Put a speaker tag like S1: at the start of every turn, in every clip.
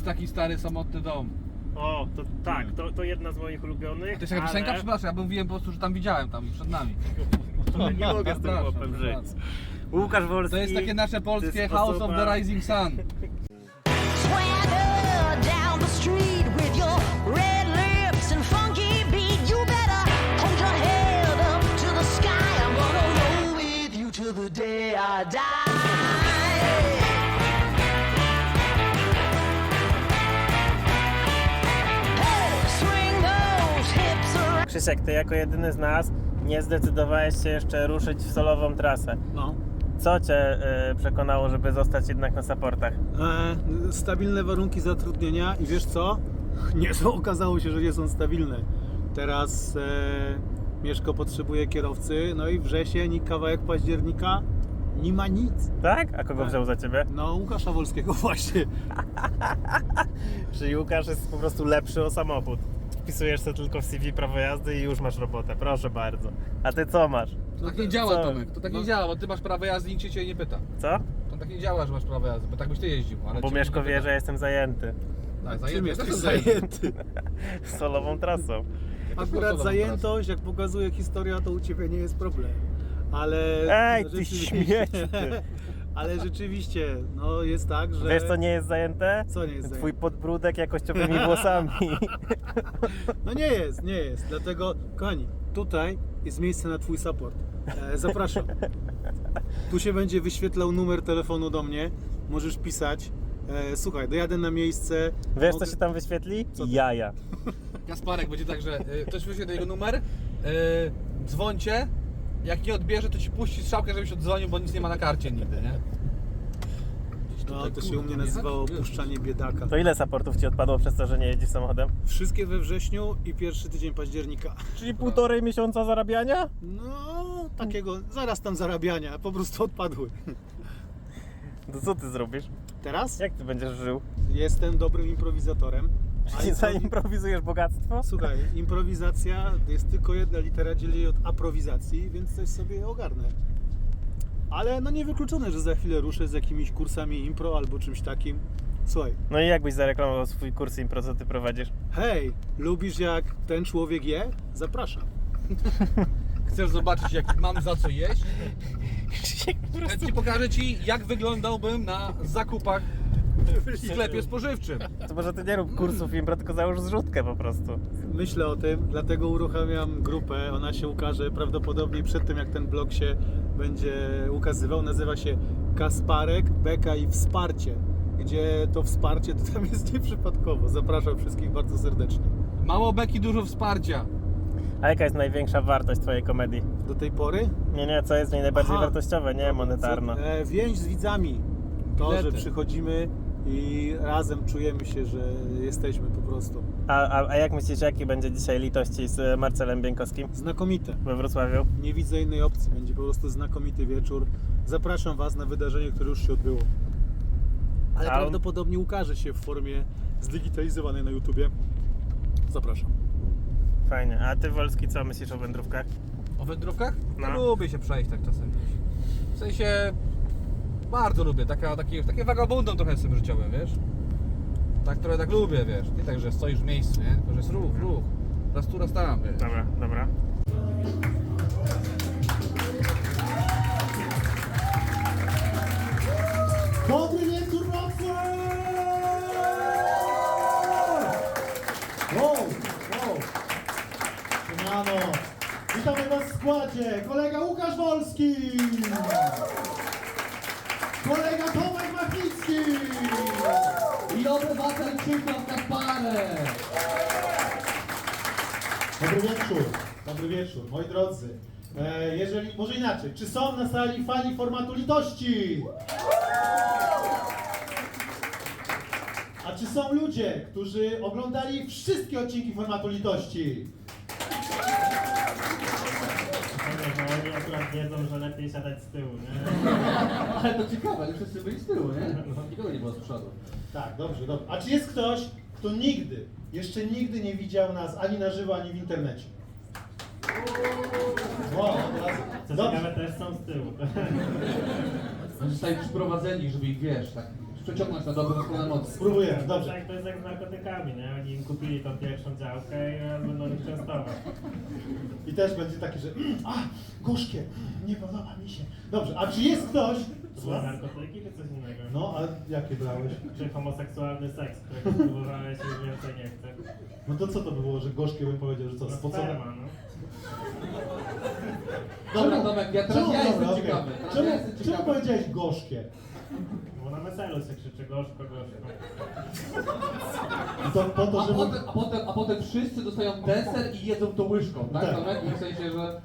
S1: taki stary, samotny dom.
S2: O, to tak, to jedna z moich ulubionych.
S1: To jest jaka piosenka? Przepraszam, ja mówiłem po prostu, że tam widziałem, tam przed nami.
S2: Ale nie mogę z tym chłopem żyć. Łukasz Wolski.
S1: To jest takie nasze polskie House of the Rising Sun.
S3: Swagger down the street with your red lips and funky beat. You better hold your head up to the sky. I'm gonna roll with you till the day I die. Hey, swing those hips around.
S2: Krzysiek, ty jako jedyny z nas nie zdecydowałeś się jeszcze ruszyć w solową trasę.
S4: No.
S2: Co cię przekonało, żeby zostać jednak na supportach?
S4: Stabilne warunki zatrudnienia i wiesz co? Nie, to okazało się, że nie są stabilne. Teraz Mieszko potrzebuje kierowcy, no i wrzesień i kawałek października nie ma nic.
S2: Tak? A kogo wziął za ciebie?
S4: No Łukasza Wolskiego właśnie.
S2: Czyli Łukasz jest po prostu lepszy o samochód. Wpisujesz sobie tylko w CV prawo jazdy i już masz robotę, proszę bardzo. A ty co masz?
S1: To tak nie działa,
S2: Co?
S1: Tomek, to tak nie działa, bo ty masz prawo jazdy i nikt cię nie pyta.
S2: Co?
S1: To tak nie działa, że masz prawo jazdy, bo tak byś ty jeździł. Ale
S2: Bo
S1: ciebie
S2: Mieszko
S1: nikt nie
S2: wie,
S1: pyta.
S2: że jestem zajęty
S1: Tak,
S4: Czym
S1: zajęty.
S4: jesteś
S1: Też
S4: zajęty?
S2: solową trasą.
S4: Akurat zajętość, jak pokazuje historia, to u Ciebie nie jest problem. Ale...
S2: Ej, ty
S4: rzeczywiście-
S2: śmieci, ty.
S4: Ale rzeczywiście, no jest tak, że...
S2: Wiesz co nie jest zajęte?
S4: Co nie jest
S2: Twój
S4: zajęte?
S2: podbródek jakościowymi włosami.
S4: No nie jest. Dlatego, kochani, tutaj jest miejsce na Twój support. Zapraszam. Tu się będzie wyświetlał numer telefonu do mnie. Możesz pisać. Słuchaj, dojadę na miejsce.
S2: Wiesz
S4: mogę-
S2: co się tam wyświetli?
S4: Co ty?
S2: Jaja.
S1: Kasparek będzie tak, że ktoś wyśle jego numer, dzwońcie, jak nie odbierze, to ci puści strzałkę, żebyś oddzwonił, bo nic nie ma na karcie nigdy, nie?
S4: No, to się u mnie nazywało opuszczanie biedaka.
S2: To ile supportów ci odpadło przez to, że nie jeździsz samochodem?
S4: Wszystkie we wrześniu i pierwszy tydzień października.
S2: Czyli 1,5 miesiąca zarabiania?
S4: No, takiego zaraz tam zarabiania, po prostu odpadły.
S2: To co ty zrobisz?
S4: Teraz
S2: Jak ty będziesz żył?
S4: jestem dobrym improwizatorem. a
S2: Czyli zaimprowizujesz bogactwo?
S4: Słuchaj, improwizacja jest tylko jedna litera, dzieli jej od aprowizacji, więc coś sobie ogarnę. Ale no niewykluczone, że za chwilę ruszę z jakimiś kursami impro albo czymś takim. Słuchaj,
S2: No i jakbyś zareklamował swój kurs impro, co ty prowadzisz?
S4: hej, lubisz jak ten człowiek je? Zapraszam.
S1: Chcesz zobaczyć, jak mam za co jeść?
S2: po prostu...
S1: Chętnie pokażę ci, jak wyglądałbym na zakupach w sklepie spożywczym.
S2: To może ty nie rób kursów impro, tylko załóż zrzutkę po prostu.
S4: Myślę o tym, dlatego uruchamiam grupę. Ona się ukaże prawdopodobnie przed tym, jak ten blog się będzie ukazywał. Nazywa się Kasparek, Beka i Wsparcie. Gdzie to wsparcie to tam jest nieprzypadkowo. Zapraszam wszystkich bardzo serdecznie.
S1: Mało beki, dużo wsparcia.
S2: A jaka jest największa wartość twojej komedii?
S4: Do tej pory
S2: Nie, co jest w niej najbardziej
S4: Aha.
S2: wartościowe, nie monetarna.
S4: Więź z widzami. To,
S1: Bilety.
S4: że przychodzimy i razem czujemy się, że jesteśmy po prostu.
S2: A jak myślisz, jaki będzie dzisiaj litości z Marcelem Bieńkowskim
S4: Znakomite.
S2: we Wrocławiu?
S4: Nie widzę innej opcji. Będzie po prostu znakomity wieczór. Zapraszam Was na wydarzenie, które już się odbyło. Ale
S2: A on-
S4: prawdopodobnie ukaże się w formie zdigitalizowanej na YouTubie. Zapraszam.
S2: Fajnie. A ty, Wolski, co myślisz o wędrówkach?
S1: O wędrówkach?
S2: No.
S1: No. Lubię się przejść tak czasem. W sensie bardzo lubię, takie vagabundą trochę jestem życiowym, wiesz? Tak trochę tak lubię, wiesz? Nie tak, że stoisz w miejscu, nie? Tylko, że jest ruch. Raz tu, raz tam, wiesz?
S2: Dobra.
S5: Dobry wieczór, Wrocław! Wow! Siemano! Witamy Was w składzie! Kolega Łukasz Wolski! Kolega Tomek Machnicki! I obywatel Krzysztof Kasparek! Dobry wieczór, moi drodzy. Jeżeli, może inaczej, czy są na sali fani formatu litości? A czy są ludzie, którzy oglądali wszystkie odcinki formatu litości?
S2: Oni akurat wiedzą, że lepiej siadać z tyłu, nie?
S1: Ale to ciekawe, że wszyscy byli z tyłu, nie? Nikogo nie było z przodu.
S5: Tak, dobrze. A czy jest ktoś, kto jeszcze nigdy nie widział nas ani na żywo, ani w internecie? Wow,
S2: Co
S5: dobrze.
S2: ciekawe, też są z tyłu.
S1: Oni zostali przyprowadzeni, żeby ich, wiesz, tak przeciągnąć na dobrą stronę mocy.
S5: Spróbujemy, dobrze.
S2: Tak, to jest jak z narkotykami, nie? Oni im kupili tą pierwszą działkę i będą ich częstować.
S5: I też będzie takie, że gorzkie, nie podoba mi się. Dobrze, a czy jest ktoś?
S2: To były narkotyki czy coś innego?
S5: No, a jakie brałeś?
S2: Czy homoseksualny seks, którego spróbowałeś i więcej nie chcę.
S5: No to co to by było, że gorzkie bym powiedział, że co,
S2: No
S5: spocone?
S2: sperma, no.
S1: Dobra, Tomek, ja teraz ja jestem
S5: okej.
S1: ciekawy. Teraz ja jestem
S5: Czemu
S1: ciekawy.
S5: powiedziałeś gorzkie?
S2: Bo na weselu się krzyczy gorzko, gorzko.
S5: I to po to, żeby...
S1: A potem wszyscy dostają deser i jedzą to łyżką, tak?
S5: Tak.
S1: Tomek? W sensie, że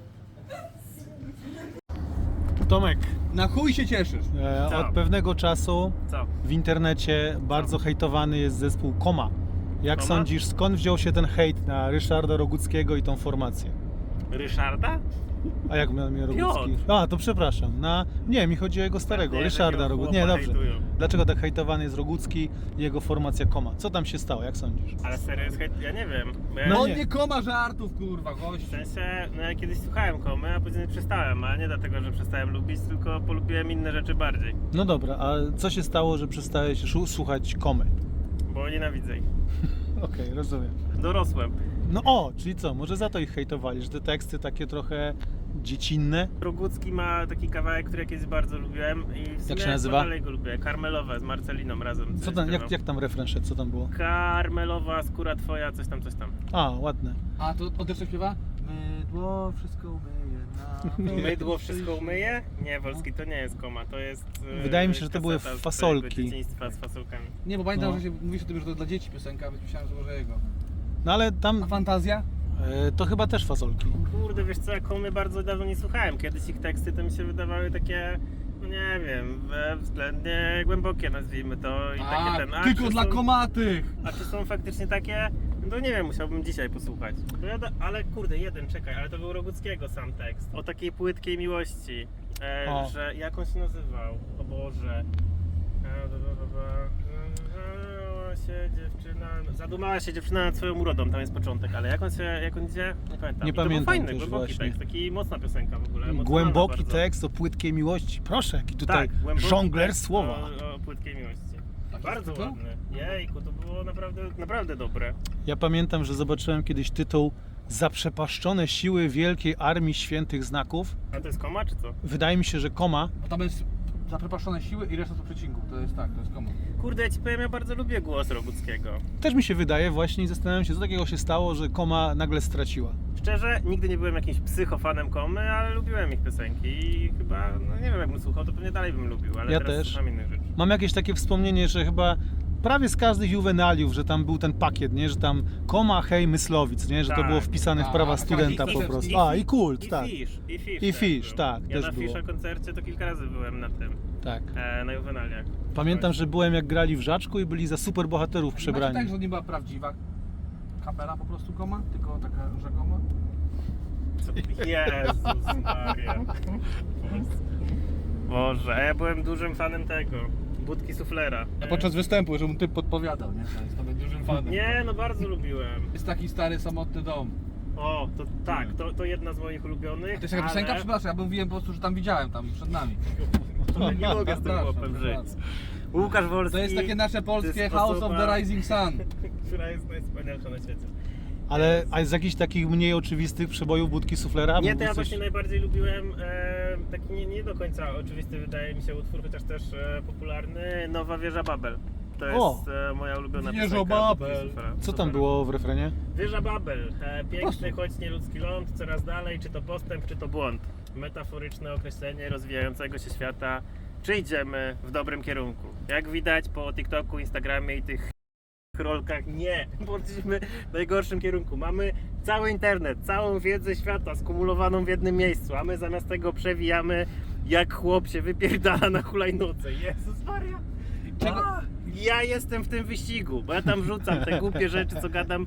S4: Tomek,
S1: na chuj się cieszysz.
S2: Co?
S4: Od pewnego czasu
S2: Co?
S4: w internecie bardzo hejtowany jest zespół Koma. Jak
S2: Koma?
S4: sądzisz, skąd wziął się ten hejt na Ryszarda Roguckiego i tą formację?
S2: Ryszarda?
S4: A jak miał mnie Rogucki?
S2: Piotr.
S4: A, to przepraszam. Nie, mi chodzi o jego starego,
S2: Nie,
S4: Ryszarda
S2: takiego
S4: Roguckiego. Nie,
S2: chłopa
S4: dobrze.
S2: hejtują.
S4: Dlaczego tak hejtowany jest Rogucki i jego formacja Koma? Co tam się stało, jak sądzisz?
S2: Ale serio jest hejt? Ja nie wiem. Bo ja
S4: No
S1: On
S4: nie.
S1: nie koma żartów, kurwa, gość.
S2: W sensie, no ja kiedyś słuchałem Komy, a później przestałem, ale nie dlatego, że przestałem lubić, tylko polubiłem inne rzeczy bardziej.
S4: No dobra, a co się stało, że przestałeś słuchać Komy?
S2: Bo nienawidzę ich.
S4: Okej, rozumiem.
S2: Dorosłem.
S4: No czyli co, może za to ich hejtowali, że te teksty takie trochę dziecinne?
S2: Rogucki ma taki kawałek, który ja kiedyś bardzo lubiłem i w sumie
S4: się nazywa?
S2: dalej go lubię. Karmelowe z Marceliną razem.
S4: Co
S2: coś
S4: tam,
S2: śpiewał.
S4: jak tam refren szedł, co tam było?
S2: Karmelowa skóra twoja, coś tam, coś tam.
S4: A, ładne.
S1: A to on też tak śpiewa? Mydło wszystko myje na...
S2: Mydło wszystko umyje? Nie, Wolski, to nie jest Koma, to jest...
S4: Wydaje mi się, że to były
S2: kaseta z
S4: fasolki.
S2: twojego dzieciństwa z fasolkami.
S1: Nie, bo pamiętam,
S4: No.
S1: że się mówisz o tym, że to dla dzieci piosenka, więc myślałem, że może jego.
S4: No ale tam
S1: A fantazja?
S4: to chyba też fasolki.
S2: Kurde, wiesz co, ja Komy bardzo dawno nie słuchałem. Kiedyś ich teksty to mi się wydawały takie, no nie wiem, względnie głębokie nazwijmy to i takie ten... A
S1: tylko
S2: czy
S1: dla
S2: są-
S1: komatych!
S2: A czy są faktycznie takie? No to nie wiem, musiałbym dzisiaj posłuchać. Ale kurde, czekaj, ale to był Roguckiego sam tekst. O takiej płytkiej miłości,
S4: O.
S2: że jak on się nazywał? O Boże. Zadumała się dziewczyna nad swoją urodą, tam jest początek, ale jak on idzie? Nie pamiętam.
S4: Nie
S2: I to
S4: pamiętam
S2: był fajny,
S4: też
S2: głęboki
S4: właśnie.
S2: tekst, taki mocna piosenka w ogóle. emocjonalna
S4: Głęboki
S2: bardzo.
S4: tekst o płytkiej miłości. Proszę, jaki tutaj
S2: Tak, głęboki
S4: żongler
S2: tekst
S4: słowa.
S2: O płytkiej miłości.
S1: Tak
S2: Bardzo
S1: jest to?
S2: ładny. Jejku, to było naprawdę dobre.
S4: Ja pamiętam, że zobaczyłem kiedyś tytuł Zaprzepaszczone siły Wielkiej Armii Świętych Znaków.
S2: A to jest Koma, czy co?
S4: Wydaje mi się, że Koma.
S1: Bo tam jest zaprepaszczone siły i reszta to przecinków. To jest tak, to jest komu.
S2: Kurde, ja ci powiem, ja bardzo lubię głos Roguckiego.
S4: Też mi się wydaje właśnie i zastanawiam się, co takiego się stało, że Koma nagle straciła.
S2: Szczerze, nigdy nie byłem jakimś psychofanem Komy, ale lubiłem ich piosenki i chyba, no nie wiem, jakbym słuchał, to pewnie dalej bym lubił, ale
S4: Ja
S2: teraz
S4: też.
S2: słucham innych rzeczy.
S4: Mam jakieś takie wspomnienie, że chyba prawie z każdych juwenaliów, że tam był ten pakiet, nie? Że tam Koma, hej, Myslowic, nie? Że to
S2: Tak,
S4: było wpisane w
S1: tak.
S4: prawa
S1: A,
S4: studenta
S1: i
S4: po
S1: Fish,
S4: prostu.
S1: i
S4: I Kult, tak.
S2: I Fish.
S4: I
S2: też
S4: Fish,
S2: był.
S4: tak,
S2: Ja
S4: też
S2: na
S4: było.
S2: Fisha koncercie to kilka razy byłem na tym,
S4: Tak.
S2: na Juvenaliach.
S4: Pamiętam, że byłem jak grali w Żaczku i byli za super bohaterów
S1: Macie
S4: przebrani.
S1: tak, że nie była prawdziwa kapela po prostu koma, tylko taka rzekoma?
S2: Co? Jezus Maria. Boże, a ja byłem dużym fanem tego, Budki Suflera.
S1: A podczas występu, że mu typ podpowiadał, nie? To jest to dużym fanem.
S2: Nie, no bardzo lubiłem.
S1: Jest taki stary, samotny dom.
S2: O, to tak, to jedna z moich
S1: A
S2: ulubionych.
S1: to jest jaka piosenka? Przepraszam, ja mówiłem po prostu, że tam widziałem, tam przed nami.
S2: Ale nie mogę z tym
S1: Przepraszam,
S2: chłopem żyć.
S1: przepraszam.
S2: Łukasz Wolski.
S1: To jest takie nasze
S2: to
S1: polskie
S2: jest
S1: House of
S2: osoba,
S1: the Rising Sun.
S2: która jest najwspanialsza na świecie.
S4: Ale a z jakichś takich mniej oczywistych przebojów Budki Suflera?
S2: Nie, to
S4: Mógłbyś
S2: ja
S4: coś-
S2: właśnie najbardziej lubiłem taki nie do końca oczywisty wydaje mi się utwór, chociaż też popularny, Nowa Wieża Babel. To jest moja ulubiona
S1: Wieża
S2: piosenka.
S1: Babel.
S2: Budki Suflera.
S4: Co tam było w refrenie?
S2: Wieża Babel, piękny, choć nieludzki ląd, coraz dalej, czy to postęp, czy to błąd. Metaforyczne określenie rozwijającego się świata. Czy idziemy w dobrym kierunku? Jak widać po TikToku, Instagramie i tych rolkach, nie, poszliśmy w najgorszym kierunku. Mamy cały internet, całą wiedzę świata skumulowaną w jednym miejscu, a my zamiast tego przewijamy jak chłop się wypierdala na hulajnodze. Jezus Maria!
S1: Czego-
S2: Ja jestem w tym wyścigu, bo ja tam rzucam te głupie rzeczy, co gadam,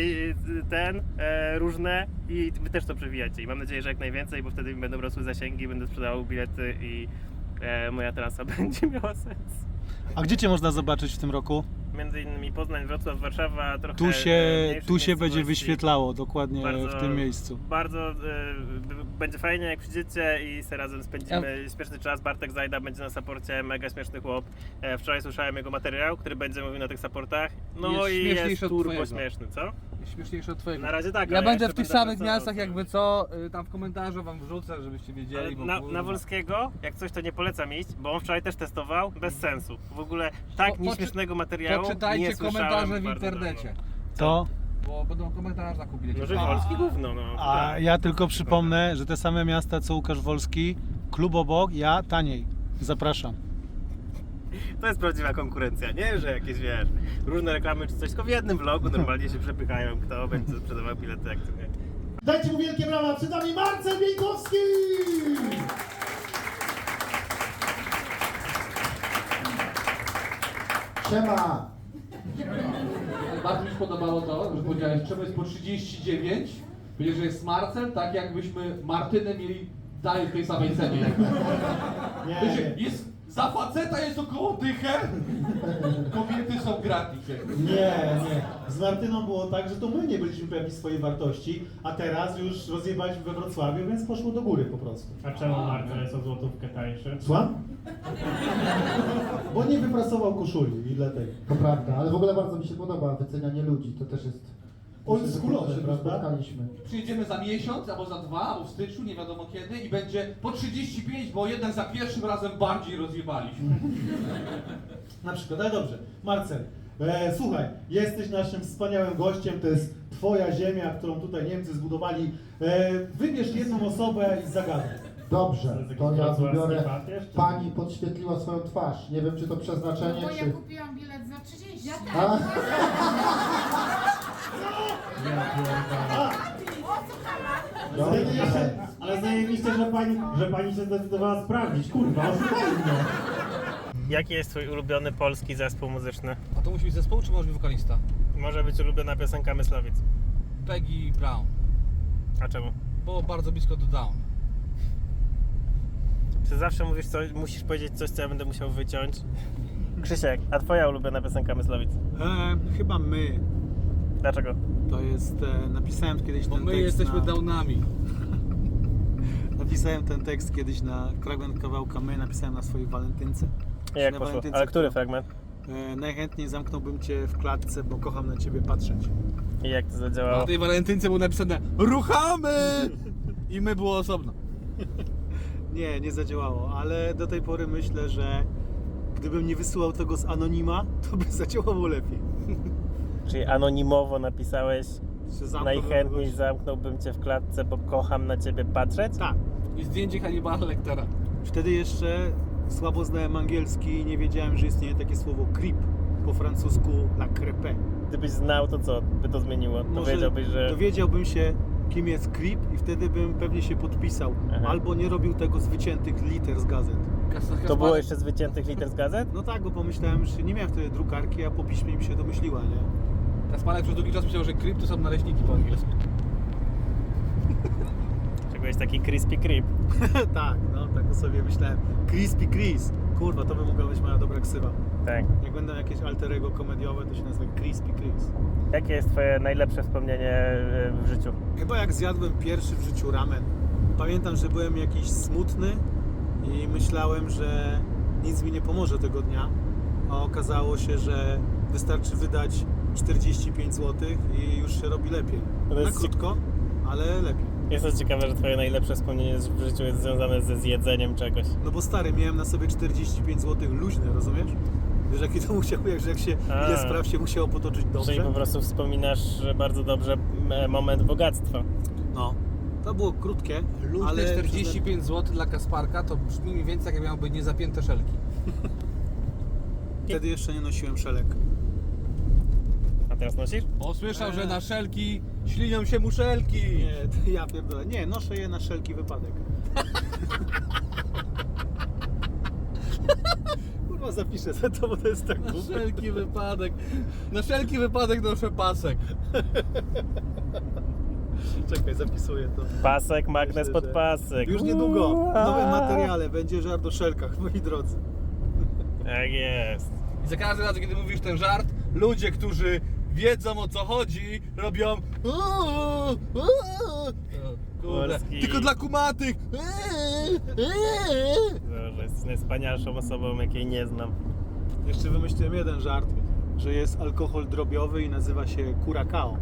S2: różne i wy też to przewijacie. I mam nadzieję, że jak najwięcej, bo wtedy mi będą rosły zasięgi, będę sprzedawał bilety i moja trasa będzie miała sens.
S4: A gdzie Cię można zobaczyć w tym roku?
S2: między innymi Poznań, Wrocław, Warszawa, trochę
S4: Tu się będzie
S2: miejscowości.
S4: wyświetlało dokładnie w tym miejscu.
S2: Bardzo będzie fajnie, jak przyjdziecie i se razem spędzimy śmieszny czas. Bartek Zajda będzie na saporcie, mega śmieszny chłop. Wczoraj słyszałem jego materiał, który będzie mówił na tych saportach. No
S1: Jest
S2: i
S1: śmieszniejszy
S2: jest
S1: od
S2: turbo
S1: twojego.
S2: śmieszny, co?
S1: Śmieszniejsze od twojego.
S2: Na razie tak,
S1: Ja
S2: ale
S1: będę
S2: jeszcze
S1: w tych
S2: będę
S1: samych
S2: pracował,
S1: miastach,
S2: co?
S1: jakby co, tam w komentarzu wam wrzucę, żebyście
S2: Ale
S1: wiedzieli. Bo
S2: na
S1: kurwa.
S2: Wolskiego, jak coś to nie polecam iść, bo on wczoraj też testował, bez sensu. W ogóle tak
S1: Po-
S2: nieśmiesznego materiału
S1: Poczytajcie
S2: nie słyszałem
S1: komentarze w
S2: bardzo
S1: internecie.
S2: dawno.
S4: To.
S1: Bo będą komentarze na kupie.
S2: No, że Wolski gówno, no.
S4: A
S2: tak.
S4: ja tylko przypomnę, że te same miasta co Łukasz Wolski, klub obok, ja taniej. Zapraszam.
S2: To jest prawdziwa konkurencja, nie? Że jakieś, wiesz, różne reklamy czy coś, tylko w jednym vlogu normalnie się przepychają, kto będzie sprzedawał bilety, jak to nie.
S5: Dajcie mu wielkie brawa, przed nami Marcel Bieńkowski!
S6: Siema!
S1: Bardzo mi się podobało to, że powiedziałeś, czemu jest po 39, powiedziałeś, że jest Marcel, tak jakbyśmy Martynę mieli dalej w tej samej cenie.
S5: Nie,
S1: Jest, za faceta jest około dychę, kobiety są gratis.
S5: nie. Z Martyną było tak, że to my nie byliśmy pewni swojej wartości, a teraz już rozjebaliśmy we Wrocławiu, więc poszło do góry po prostu.
S2: A czemu Marcel jest o złotówkę tańszy?
S5: Słucham? Bo nie wyprasował koszuli i dlatego.
S6: To prawda, ale w ogóle bardzo mi się podoba wycenianie ludzi, to też jest...
S5: Oldschoolowe,
S6: myślę, że
S5: prawda?
S6: spotkaliśmy.
S1: Przyjedziemy za miesiąc, albo za 2, albo w styczniu, nie wiadomo kiedy i będzie po 35, bo jednak za pierwszym razem bardziej rozjebaliśmy.
S5: Na przykład, ale dobrze. Marcel, słuchaj, jesteś naszym wspaniałym gościem, to jest twoja ziemia, którą tutaj Niemcy zbudowali. Wybierz jedną osobę i zagadaj.
S6: Dobrze,
S2: jakiś
S6: to ja
S2: wrocławski
S6: wybiorę...
S2: papież, czy-
S6: Pani podświetliła swoją twarz. Nie wiem, czy to przeznaczenie,
S7: Bo
S6: czy...
S7: ja kupiłam bilet za 30. Ja też.
S6: A?
S5: Ale zajebiście, że pani się zdecydowała sprawdzić, kurwa, oszukaj mnie.
S2: Jaki jest twój ulubiony polski zespół muzyczny?
S1: A to musi być zespół, czy może być wokalista?
S2: Może być ulubiona piosenka Myslowic.
S1: Peggy Brown,
S2: A czemu?
S1: bo bardzo blisko do Down.
S2: Czy zawsze mówisz coś, musisz powiedzieć coś, co ja będę musiał wyciąć? Krzysiek, a twoja ulubiona piosenka Myslowic?
S4: Chyba my.
S2: Dlaczego?
S4: To jest, napisałem kiedyś
S1: Bo
S4: ten
S1: my
S4: tekst
S1: jesteśmy
S4: na,
S1: Downami.
S4: Napisałem ten tekst kiedyś na fragment kawałka My, napisałem na swojej walentynce.
S2: I jak
S4: Na
S2: poszło?
S4: walentynce,
S2: Ale który
S4: która-
S2: fragment?
S4: Najchętniej zamknąłbym cię w klatce, bo kocham na ciebie patrzeć.
S2: I jak to
S1: Na
S2: zadziałało?
S1: tej walentynce było napisane ruchamy! I my było osobno.
S4: Nie zadziałało, ale do tej pory myślę, że gdybym nie wysyłał tego z anonima, to by zadziałało lepiej.
S2: Czyli anonimowo napisałeś
S4: Że zamknąłbym
S2: najchętniej
S4: kogoś-
S2: zamknąłbym cię w klatce, bo kocham na ciebie patrzeć?
S4: Tak.
S1: I zdjęcie Hannibala Lectera.
S4: Wtedy jeszcze słabo znałem angielski i nie wiedziałem, że istnieje takie słowo creep. Po francusku la crêpe.
S2: Gdybyś znał, to co by to zmieniło? To wiedziałbyś, że...
S4: Dowiedziałbym się, kim jest creep i wtedy bym pewnie się podpisał.
S2: Aha.
S4: Albo nie robił tego z wyciętych liter z gazet.
S2: To było jeszcze z wyciętych liter z gazet?
S4: No tak, bo pomyślałem, że nie miałem wtedy drukarki, a po piśmie mi się domyśliła, nie?
S1: Kaspanek przez długi czas myślał, że creep to są naleśniki po angielsku.
S2: Czegoś taki crispy creep.
S4: Tak, no tak sobie myślałem. Crispy Chris. Kurwa, to by mogła być moja dobra ksywa.
S2: Tak.
S4: Jak będą jakieś alter ego komediowe, to się nazywa Crispy Chris.
S2: Jakie jest twoje najlepsze wspomnienie w życiu?
S4: Chyba jak zjadłem pierwszy w życiu ramen. Pamiętam, że byłem jakiś smutny i myślałem, że nic mi nie pomoże tego dnia. A okazało się, że wystarczy wydać 45 zł i już się robi lepiej.
S2: To
S4: Na
S2: jest
S4: krótko, ale lepiej.
S2: Jest to ciekawe, że twoje najlepsze wspomnienie w życiu jest związane ze zjedzeniem czegoś.
S4: No bo stary, miałem na sobie 45 zł luźne, rozumiesz? Wiesz, jaki to musiał, jak się,
S2: A.
S4: ile spraw się musiało potoczyć dobrze?
S2: Czyli po prostu wspominasz bardzo dobrze moment bogactwa.
S4: No, to było krótkie,
S1: Luźne
S4: ale
S1: 45 zł dla Kasparka to brzmi mniej więcej jak miałyby niezapięte szelki.
S4: wtedy jeszcze nie nosiłem szelek.
S2: A teraz nosisz?
S1: Bo słyszał, że na szelki ślinią się muszelki.
S4: Nie, to ja pierdolę. Nie, noszę je na wszelki wypadek. Kurwa, zapiszę sobie to, bo to jest tak
S1: Na
S4: głupie.
S1: wszelki wypadek. Na wszelki wypadek noszę pasek.
S4: Czekaj, zapisuję to.
S2: Pasek, magnes
S4: Myślę,
S2: pod
S4: że
S2: pasek.
S4: Już niedługo w nowym materiale będzie żart o szelkach, moi drodzy.
S2: Tak jest.
S1: I za każdym razem, kiedy mówisz ten żart, ludzie, którzy wiedzą o co chodzi, robią kurde,
S2: Polski.
S1: tylko dla kumatych.
S2: Boże, jesteś najwspanialszą osobą, jakiej nie znam.
S4: Jeszcze wymyśliłem jeden żart, że jest alkohol drobiowy i nazywa się Curacao.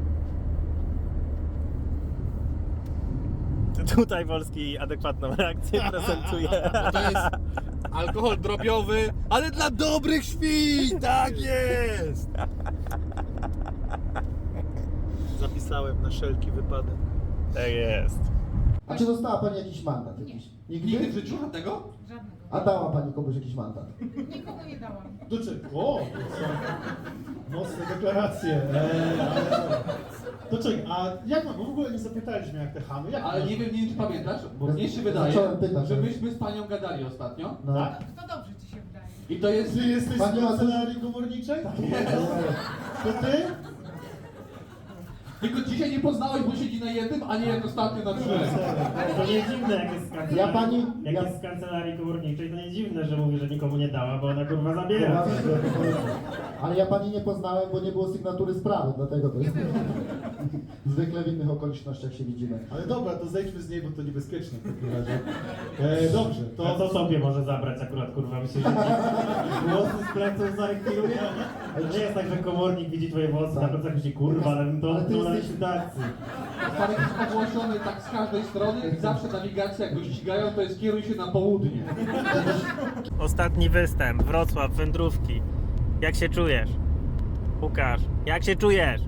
S2: Tutaj Polski adekwatną reakcję prezentuje.
S1: To jest alkohol drobiowy, ale dla dobrych świn, tak jest.
S4: Zapisałem na wszelki wypadek.
S2: Tak jest.
S6: A czy dostała pani jakiś mandat? Jakiś?
S1: Nigdy w życiu żadnego?
S7: Żadnego.
S6: A dała pani komuś jakiś mandat?
S7: Nikogo nie dałam.
S5: O, to są mocne deklaracje. To czekaj, a jak mam, bo w ogóle nie zapytaliśmy jak te chamy, jak
S1: Ale
S5: masz-
S1: nie wiem, czy pamiętasz, bo
S6: Ja
S1: mnie się wydaje,
S6: zacząłem pytać,
S1: że
S6: ale-
S1: myśmy z panią gadali ostatnio.
S6: No.
S5: Tak?
S7: To dobrze ci się wydaje.
S1: I to jest...
S5: Ty jesteś
S6: Pani
S5: z
S6: ma
S5: kancelarii komorniczej? To ty?
S1: Tylko dzisiaj nie poznałeś, bo siedzi na jednym, a nie jak ostatnio na drzwiach.
S2: Ale to nie dziwne, jak jest z kancelarii,
S6: Ja pani-
S2: jak
S6: ja-
S2: jest z kancelarii komorniczej, to nie dziwne, że mówi, że nikomu nie dała, bo ona kurwa zabiera.
S6: Ale ja pani nie poznałem, bo nie było sygnatury sprawy, dlatego to jest. Zwykle w innych okolicznościach się widzimy.
S5: Ale dobra, to zejdźmy z niej, bo to niebezpieczne w takim razie. Dobrze,
S2: To
S5: to
S2: co sobie może zabrać akurat, kurwa, mi się włosy z pleców zarekwiruje? To nie jest tak, że komornik widzi twoje włosy, na plecach myśli, kurwa, ale bym to
S6: Ale ty
S2: odbył na
S6: jesteś-
S2: likwidacji.
S1: Stary jest ogłoszony tak z każdej strony i zawsze nawigacja, jak go ścigają, to jest kieruj się na południe.
S2: Ostatni występ, Wrocław, wędrówki. Jak się czujesz? Łukasz, jak się czujesz?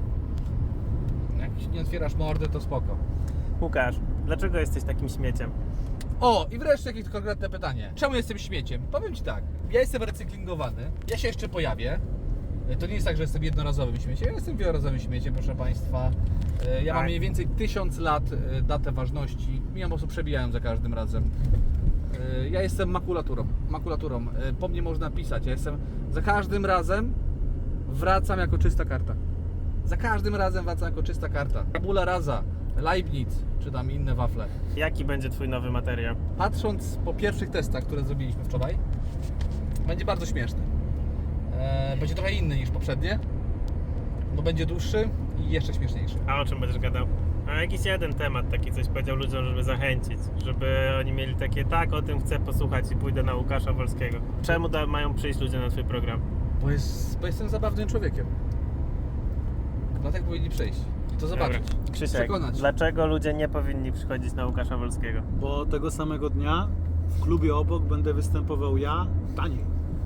S1: Jak nie otwierasz mordy, to spoko.
S2: Łukasz, dlaczego jesteś takim śmieciem?
S1: O, i wreszcie jakieś konkretne pytanie. Czemu jestem śmieciem? Powiem ci tak, ja jestem recyklingowany, ja się jeszcze pojawię. To nie jest tak, że jestem jednorazowym śmieciem, ja jestem wielorazowym śmieciem, proszę Państwa. Ja mam
S2: Tak.
S1: mniej więcej 1000 lat datę ważności, mi ją po prostu przebijają za każdym razem. Ja jestem makulaturą. Po mnie można pisać, ja jestem za każdym razem wracam jako czysta karta. Za każdym razem wracam jako czysta karta. Tabula rasa, Leibniz, czy tam inne wafle.
S2: Jaki będzie twój nowy materiał?
S1: Patrząc po pierwszych testach, które zrobiliśmy wczoraj, będzie bardzo śmieszny. Będzie trochę inny niż poprzednie, bo będzie dłuższy i jeszcze śmieszniejszy.
S2: A o czym będziesz gadał? A jakiś jeden temat taki coś powiedział ludziom, żeby zachęcić, żeby oni mieli takie, tak, o tym chcę posłuchać i pójdę na Łukasza Wolskiego. Czemu mają przyjść ludzie na twój program?
S1: Bo jestem zabawnym człowiekiem. Dlatego powinni przyjść i to zobaczyć.
S2: Dobra. Krzysiek,
S1: Przekonać.
S2: dlaczego ludzie nie powinni przychodzić na Łukasza Wolskiego?
S4: Bo tego samego dnia w klubie obok będę występował ja taniej.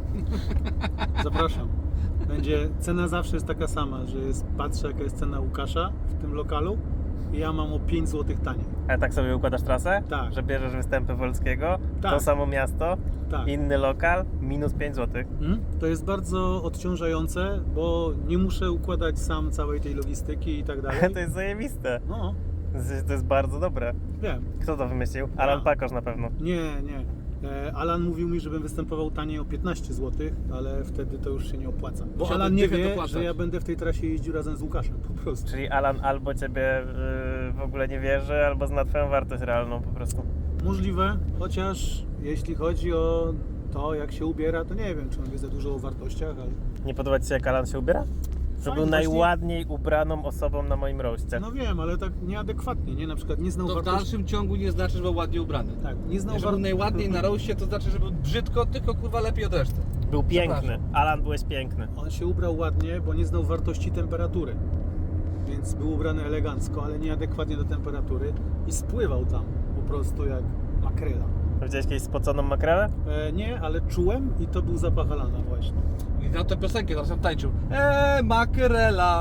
S4: Zapraszam. Cena zawsze jest taka sama, że patrzę jaka jest cena Łukasza w tym lokalu i ja mam o 5 zł taniej.
S2: A tak sobie układasz trasę?
S4: Tak.
S2: Że bierzesz występy Wolskiego,
S4: Tak.
S2: to samo miasto,
S4: Tak.
S2: inny lokal, minus 5 zł.
S4: To jest bardzo odciążające, bo nie muszę układać sam całej tej logistyki i tak dalej.
S2: To jest zajebiste.
S4: No,
S2: To jest bardzo dobre.
S4: wiem.
S2: Kto to wymyślił? Alan Pakosz na pewno.
S4: Nie. Alan mówił mi, żebym występował taniej o 15 zł, ale wtedy to już się nie opłaca. Bo
S1: Musiałby
S4: Alan nie
S1: dychę
S4: wie,
S1: dopłacać.
S4: że ja będę w tej trasie jeździł razem z Łukaszem, po prostu.
S2: Czyli Alan albo ciebie w ogóle nie wierzy, albo zna twoją wartość realną po prostu.
S4: Możliwe, chociaż jeśli chodzi o to, jak się ubiera, to nie wiem, czy on wie za dużo o wartościach, ale...
S2: Nie podoba ci się, jak Alan się ubiera? To
S4: Fajnie,
S2: był
S4: właśnie-
S2: najładniej ubraną osobą na moim roście.
S4: No wiem, ale tak nieadekwatnie, nie? Na przykład nie znał
S1: To w
S4: wartości...
S1: dalszym ciągu nie znaczy, że był ładnie ubrany.
S4: Tak, nie znał
S1: Nie, że był najładniej na roście, to znaczy, że był brzydko, tylko kurwa lepiej od reszty.
S2: Był piękny.
S1: Zapraszam.
S2: Alan, byłeś piękny.
S4: On się ubrał ładnie, bo nie znał wartości temperatury. Więc był ubrany elegancko, ale nieadekwatnie do temperatury i spływał tam po prostu jak makrela.
S2: Widziałeś kiedyś spoconą makrelę?
S4: Nie, ale czułem i to był zapach Alana właśnie.
S1: I na tę piosenkę teraz tam tańczył. Makrela!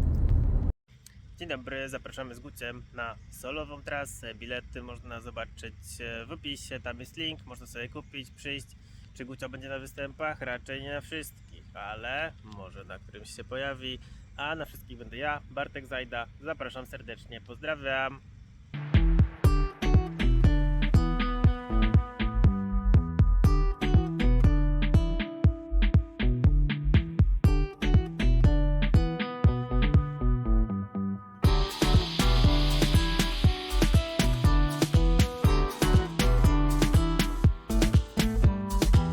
S2: Dzień dobry, zapraszamy z Guciem na solową trasę. Bilety można zobaczyć w opisie, tam jest link, można sobie kupić, przyjść. Czy Gucio będzie na występach? Raczej nie na wszystkich, ale może na którymś się pojawi. A na wszystkich będę ja, Bartek Zajda. Zapraszam serdecznie, pozdrawiam.